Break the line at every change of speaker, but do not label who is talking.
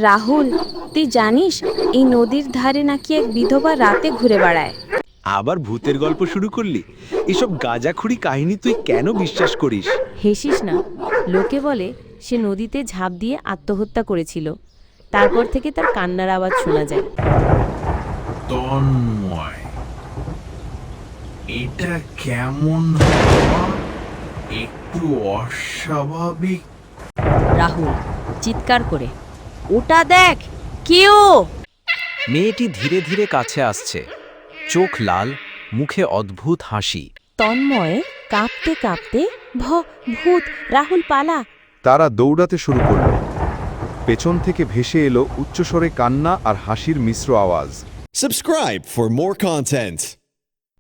রাহুল, তুই জানিস এই নদীর ধারে নাকি এক বিধবা রাতে ঘুরে বেড়ায়?
আবার ভূতের গল্প শুরু করলি? এসব গাঁজাখুরি কাহিনী তুই কেন বিশ্বাস করিস?
হেসিস না। লোকে বলে সে নদীতে ঝাঁপ দিয়ে আত্মহত্যা করেছিল। তারপর থেকে তার কান্নার আওয়াজ শোনা যায়।
তন্ময়, এটা কেমন হওয়া? একটু অস্বাভাবিক।
রাহুল চিৎকার করে, ওটা দেখ, কেউ!
মেয়েটি ধীরে ধীরে কাছে আসছে, চোখ লাল, মুখে অদ্ভুত হাসি।
তন্ময় কাঁপতে কাঁপতে, ভূত, রাহুল পালা!
তারা দৌড়াতে শুরু করল। পেছন থেকে ভেসে এলো উচ্চস্বরে কান্না আর হাসির মিশ্র আওয়াজ।
Subscribe for more content.